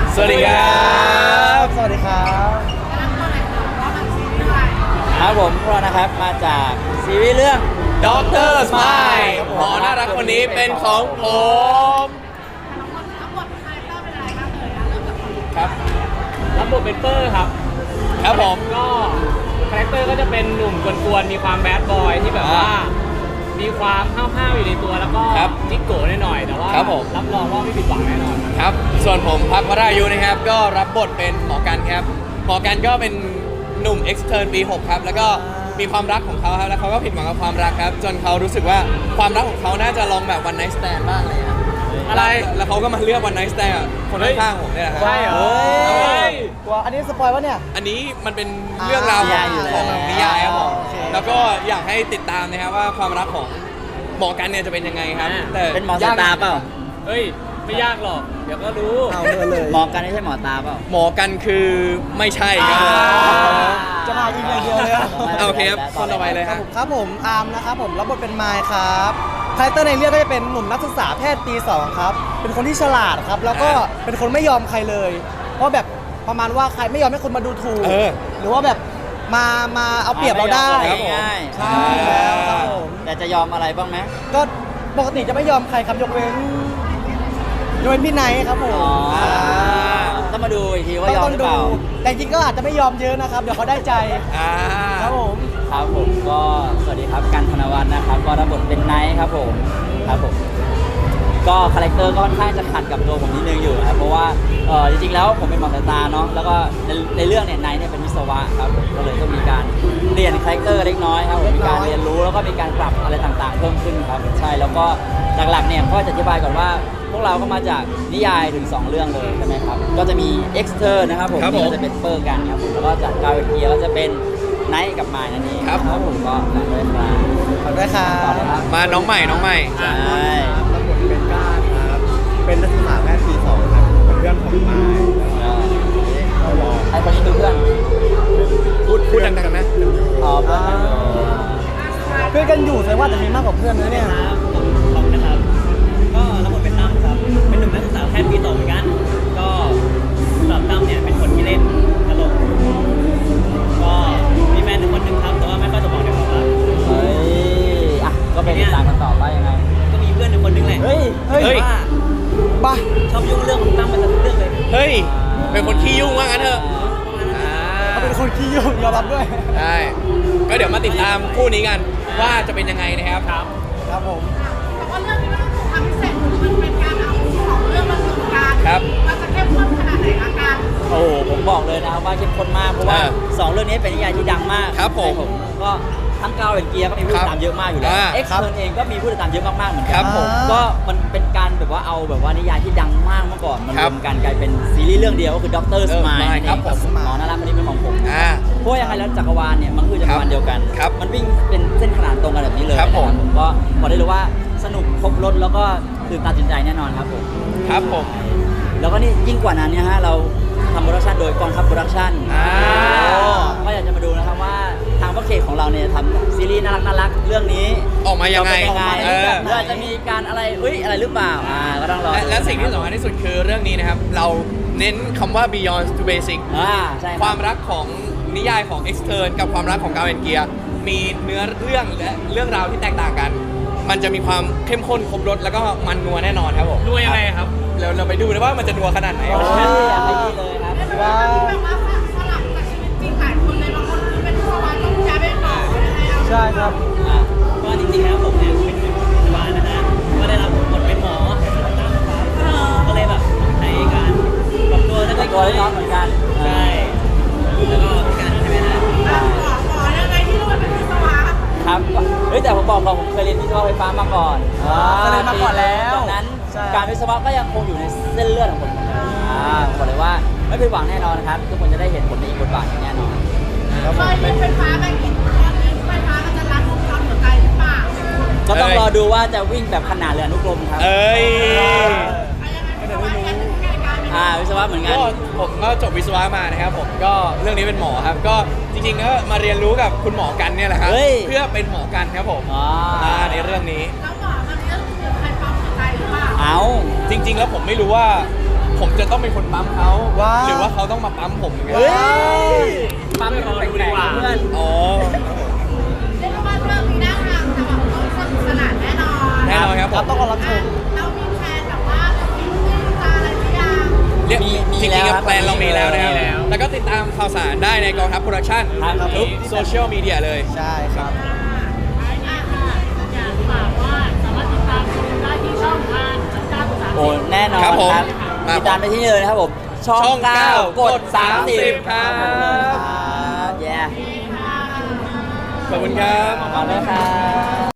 สวัสดีครับสวัสดีครับครับผมพวกเรานะครับมาจากซีรีส์เรื่องด็อกเตอร์สไมล์หมอน่ารักคนนี้เป็นของผมครับรับบทเป็นเปอร์ครับครับผมก็คาแรคเตอร์ก็จะเป็นหนุ่มกวนๆมีความแบดบอยที่แบบว่ามีความห้าวๆอยู่ในตัวแล้วก็จิ๊กโก้หน่อยๆแต่ว่ารับรองว่าไม่ผิดหวังแน่นอนครับส่วนผมพักวรายุนะครับก็รับบทเป็นหมอกันครับหมอกันก็เป็นหนุ่ม extern ปี 6 ครับแล้วก็มีความรักของเขาครับแล้วเขาก็ผิดหวังกับความรักครับจนเขารู้สึกว่าความรักของเขาน่าจะลองแบบ one night stand บ้างอะไรครับอะไรแล้วเขาก็มาเลือก one night stand คนข้างๆผมเนี่ยแหละครับใช่เหรอกลัวอันนี้สปอยวะเนี่ยอันนี้มันเป็นเรื่องราวของนิยายครับผมแล้วก็อยากให้ติดตามนะครับว่าความรักของหมอกันเนี่ยจะเป็นยังไงครับแต่เป็นหมอสายตาเปล่าเฮ้ยไม่ยากหรอกเดี๋ยวก็รู้เอาเลยหมอกันไม่ใช่หมอตาเปล่าหมอกันคือไม่ใช่ครับจะมาอีกอย่างเดียวเลยโอเคครับคนต่อไปเลยครับผมอาร์มนะครับผมรับบทเป็นไมค์ครับคาแรคเตอร์ในเรื่องก็จะเป็นหนุ่มนักศึกษาแพทย์ปี 2ครับเป็นคนที่ฉลาดครับแล้วก็เป็นคนไม่ยอมใครเลยเพราะแบบประมาณว่าใครไม่ยอมให้คนมาดูถูกหรือว่าแบบมาเอาเปรียบเราได้ง่ายใช่แล้วครับผมแต่จะยอมอะไรบ้างไหมก็ปกติจะไม่ยอมใครครับยกเว้นพี่ไนท์ครับผมต้องมาดูอีกทีว่ายอมหรือเปล่าแต่จริงก็อาจจะไม่ยอมเยอะนะครับเดี๋ยวเขาได้ใจครับผมครับผมก็สวัสดีครับกันธนวัฒน์นะครับก็รับบทเป็นไนท์ครับผมก็คาแรคเตอร์ก็ค่อนข้างจะขัดกับตัวผมนิดนึงอยู่ครับเพราะว่าจริงๆแล้วผมเป็นหมอสายตาเนาะแล้วก็ในเรื่องเนี่ยไนท์เนี่ยเป็นวิศวะครับผมก็เลยต้องมีการเรียนคาแรคเตอร์เล็กน้อยครับผมมีการเรียนรู้แล้วก็มีการปรับอะไรต่างๆเพิ่มขึ้นครับใช่แล้วก็หลักๆเนี่ยก็จะอธิบายก่อนว่าพวกเราก็มาจากนิยายถึง2เรื่องเลยใช่ไหมครับก็จะมี Extern นะครับผมที่จะเป็นเปอร์กันครับผมแล้วก็จากกาเวเกียก็จะเป็นไนท์กับไมล์นั่นเองครับผมก็ฝากด้วยครับฝากด้วยครับมาน้องใหม่ใช่รับบทเป็นก้าครับเป็นนักศึกษาแพทย์ปี 2ครับเป็นเพื่อนของไมล์ไอ้คนนี้คือเพื่อนพูดดังๆนะเพื่อนกันอยู่แสดงว่าจะมีมากกว่าเพื่อนนะเนี่ยผมนะครับก็รับบทเป็นตั้มครับเป็นหนุ่มนักศึกษาแพทย์ปี 2เหมือนกันก็สำหรับตั้มเนี่ยเป็นคนที่เล่นตลกก็มีแฟนคนหนึ่งครับแต่ว่าไม่ค่อยสมหวังในความรักก็เป็นตามกันต่อไปยังไงก็มีเพื่อนคนหนึ่งแหละว่าบ้าชอบยุ่งเรื่องของตั้มมาจากเรื่องเลยเฮ้ยเป็นคนขี้ยุ่งว่างั้นเถอะเขาเป็นคนขี้ยุ่งยอมรับด้วยใช่ก็เดี๋ยวมาติดตามคู่นี้กันว่าจะเป็นยังไงนะครับครับผมแต่ว่าเรื่องนี้มันทำพิเศษมันเป็นการเอาของเรื่องมารวมกันมันจะเข้มข้นขนาดไหนอาการโอ้ผมบอกเลยนะครับว่าเข้มข้นมากเพราะว่า2เรื่องนี้เป็นนิยายที่ดังมากครับผมก็ทั้งกาวเกียร์ก็มีผู้ติดตามเยอะมากอยู่แล้วเอ็กซ์เทิร์นเองก็มีผู้ติดตามเยอะมากๆเหมือนกันก็มันเป็นการแบบว่าเอาแบบว่านิยายที่ดังมากเมื่อก่อนมันรวมกันกลายเป็นซีรีส์เรื่องเดียวก็คือด็อกเตอร์สมายครับผมหมอน่ารักคนนี้เป็นของผมเพราะยังไงแล้วจักรวาลเนี่ยมันคือจักรวาลเดียวกันมันวิ่งเป็นเส้นขนานตรงกันแบบนี้เลยนะครับผมก็บอกได้เลยว่าสนุกครบรสแล้วก็ตื่นตาตื่นใจแน่นอนครับผมแล้วก็นี่ยิ่งกว่านั้นเนี่ยฮะเราทำโปรดักชันโดยกองทัพโปรดักชันก็อยากจะมาดูนะครับว่าทางพ่อเคของเราเนี่ยทำซีรีส์น่ารักเรื่องนี้ออกมายังไงหรืออาจจะมีการอะไรอะไรหรือเปล่าก็ต้องรอและสิ่งที่สำคัญที่สุดคือเรื่องนี้นะครับเราเน้นคำว่า beyond to basic ใช่ความรักของนิยายของ Extern กับความรักของกาเวนเกียมีเนื้อเรื่องและเรื่องราวที่แตกต่างกันมันจะมีความเข้มข้นครบรสแล้วก็มันนัวแน่นอนครับผมนัวยังไงครับเราไปดูนะว่ามันจะนัวขนาดไหนอยากไปดีเลยครับว่าสลับจากชีวิตจริงหลายคนเลยบางคนคือเป็นวิศวะต้องย้ายไปต่อใช่ครับก็จริงๆแล้วผมเนี่ยเป็นวิศวะนะฮะก็ได้รับบทเป็นหมอก็เลยแบบในการปรับตัวแล้วก็ตัวน้องเหมือนกันใช่แล้วก็การใช่ไหมฮะหมอยังไงที่เราเป็นวิศวะครับแต่ผมบอกผมเคยเรียนวิศวะไฟฟ้ามาก่อนเคยเรียนมาก่อนแล้วดังนั้นการวิศวะก็ยังคงอยู่ในเส้นเลือดของผมบอกเลยว่าไม่ผิดหวังแน่นอนนะครับทุกคนจะได้เห็นผลในอีกบทบาทอย่างแน่นอนเคยเรียนไฟฟ้าแบบนี้ไฟฟ้ามันจะรัดวงจรหัวใจหรือเปล่าก็ต้องรอดูว่าจะวิ่งแบบขนาดเรืออนุกรมครับวิศวะเหมือนกันผมก็จบวิศวะมานะครับผมก็เรื่องนี้เป็นหมอครับก็จริงๆก็มาเรียนรู้กับคุณหมอกันเนี่ยแหละครับเพื่อเป็นหมอกันครับผมในเรื่องนี้แล้วหมอมันเรื่องใครปั๊มหัวใจหรือเปล่าจริงๆแล้วผมไม่รู้ว่าผมจะต้องเป็นคนปั๊มเขาว้าวหรือว่าเขาต้องมาปั๊มผมอย่างเงี้ยเฮ้ยปั๊มรอดูดีกว่าเพื่อนอ๋อเรียกได้ว่าเรื่องนี้น่าทางจะแบบสนุกสนานแน่นอนแน่นอนครับผครับมต้องรอรับชมเรามีแพลนแบบว่าจะมีคู่จะอะไรหรือยังเรียกมีจริงแล้วๆคกัรับบ แพลนเรามีแล้วนะครับมีแล้วแล้วก็ติดตามข่าวสารได้ในกองทัพโปรดักชั่นครับทุกโซเชียลมีเดียเลยใช่ครับอยากฝากว่าสามารถติดตามชมได้ที่ช่องทางช่อง9 3 โอ้แน่นอนครับผมครับมาติดตามได้ที่นี่เลยนะครับผม ช่องช่อง 9 9 กดกด 30 ครับครับแย่ขอบคุณครับขอบคุณครับ